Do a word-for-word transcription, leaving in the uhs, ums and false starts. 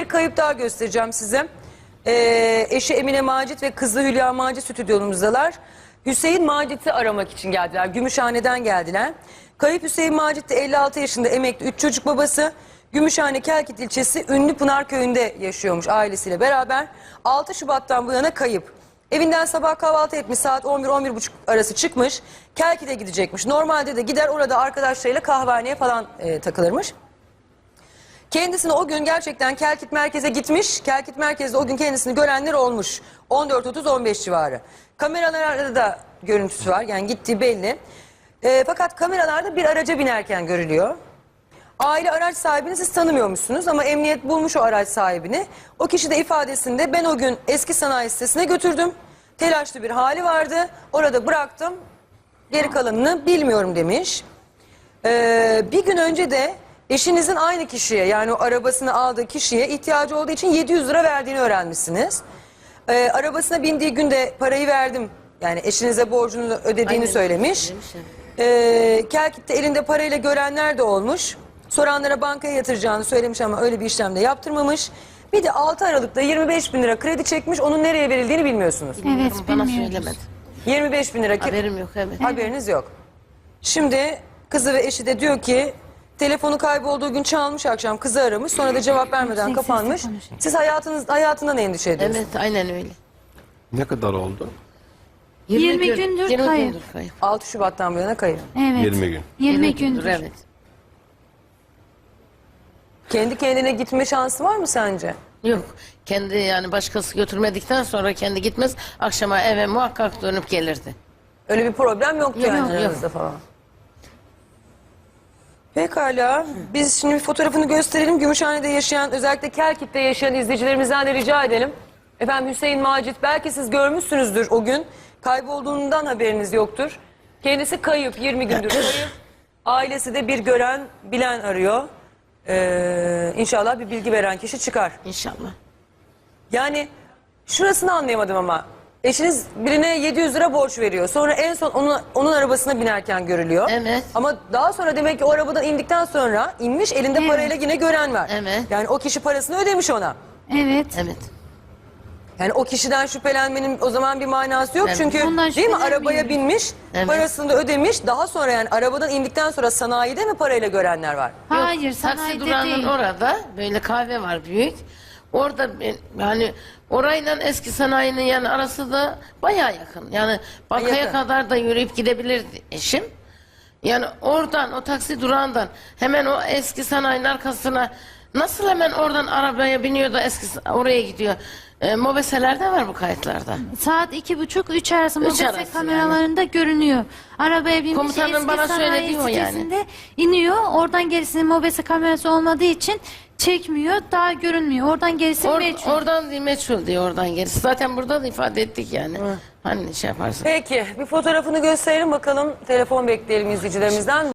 kayıp daha göstereceğim size. Ee, eşi Emine Macit ve kızı Hülya Macit stüdyomuzdalar. Hüseyin Macit'i aramak için geldiler. Gümüşhane'den geldiler. Kayıp Hüseyin Macit de elli altı yaşında emekli üç çocuk babası. Gümüşhane Kelkit ilçesi Ünlü Pınar köyünde yaşıyormuş ailesiyle beraber. altı Şubat'tan bu yana kayıp. Evinden sabah kahvaltı etmiş, saat on bir on bir buçuk arası çıkmış. Kelkit'e gidecekmiş. Normalde de gider orada arkadaşlarıyla kahvehaneye falan e, takılırmış. Kendisini o gün gerçekten Kelkit merkeze gitmiş. Kelkit merkezde o gün kendisini görenler olmuş. on dört otuz on beş civarı. Kameralarda da görüntüsü var. Yani gittiği belli. E, fakat kameralarda bir araca binerken görülüyor. Aile araç sahibini siz tanımıyormuşsunuz ama emniyet bulmuş o araç sahibini. O kişi de ifadesinde ben o gün eski sanayi sitesine götürdüm. Telaşlı bir hali vardı. Orada bıraktım. Geri kalanını bilmiyorum demiş. Ee, bir gün önce de eşinizin aynı kişiye, yani o arabasını aldığı kişiye ihtiyacı olduğu için yedi yüz lira verdiğini öğrenmişsiniz. Ee, arabasına bindiği günde parayı verdim. Yani eşinize borcunu ödediğini Aynen, söylemiş. söylemiş, evet. Ee, Kelkit'te elinde parayla görenler de olmuş. Soranlara bankaya yatıracağını söylemiş ama öyle bir işlem de yaptırmamış. Bir de altı Aralık'ta yirmi beş bin lira kredi çekmiş. Onun nereye verildiğini bilmiyorsunuz. Evet, Bana bilmiyoruz. söylemedi. yirmi beş bin lira. Haberim yok, evet. Haberiniz yok. Şimdi kızı ve eşi de diyor ki telefonu kaybolduğu gün çalmış, akşam kızı aramış, sonra da cevap vermeden Yüksek kapanmış. sesle konuşuyor. Siz hayatınız hayatından endişe ediyorsunuz. Evet, aynen öyle. Ne kadar oldu? yirmi gün- gündür yirmi kayıp. gündür kayıp. altı Şubat'tan bu yana kayıp. Evet. yirmi gün. yirmi gündür. Evet. Kendi kendine gitme şansı var mı sence? Yok. Kendi yani başkası götürmedikten sonra kendi gitmez. Akşama eve muhakkak dönüp gelirdi. Öyle bir problem yoktu Yok, yani yok. aranızda falan. Pekala. Biz şimdi bir fotoğrafını gösterelim. Gümüşhane'de yaşayan, özellikle Kelkit'te yaşayan izleyicilerimizden de rica edelim. Efendim Hüseyin Macit, belki siz görmüşsünüzdür o gün. Kaybolduğundan haberiniz yoktur. Kendisi kayıp, yirmi gündür kayıp. Ailesi de bir gören, bilen arıyor. Ee, inşallah bir bilgi veren kişi çıkar. İnşallah. Yani şurasını anlayamadım ama. Eşiniz birine yedi yüz lira borç veriyor. Sonra en son onun, onun arabasına binerken görülüyor. Evet. Ama daha sonra demek ki o arabadan indikten sonra inmiş, elinde Evet. parayla yine gören var. Evet. Yani o kişi parasını ödemiş ona. Evet. Evet. Yani o kişiden şüphelenmenin o zaman bir manası yok. Evet. Çünkü Ondan değil mi, şüphelenmiyoruz. arabaya binmiş, Evet. parasını da ödemiş. Daha sonra yani arabadan indikten sonra sanayide mi parayla görenler var? Hayır, Yok, taksi sanayide durağının değil. orada böyle kahve var büyük. Orada ben- yani orayla eski sanayinin yani arası da bayağı yakın. Yani bankaya Yakın. kadar da yürüyüp gidebilirdi eşim. Yani oradan o taksi durağından hemen o eski sanayinin arkasına nasıl hemen oradan arabaya biniyor da eski oraya gidiyor. E, mobeselerde var bu kayıtlarda. Saat iki buçuk üç arası Üç mobese arası kameralarında görünüyor. Arabaya binmiş, Komutanın eski bana sanayi söylediği o yani. sitesinde iniyor. Oradan gerisinin mobese kamerası olmadığı için çekmiyor. Daha görünmüyor. Oradan gerisi Or- meçhul. oradan değil, meçhul diyor oradan gerisi. Zaten burada da ifade ettik yani. Hani şey yaparsın. Peki bir fotoğrafını gösterelim bakalım. Telefon bekleyelim izleyicilerimizden.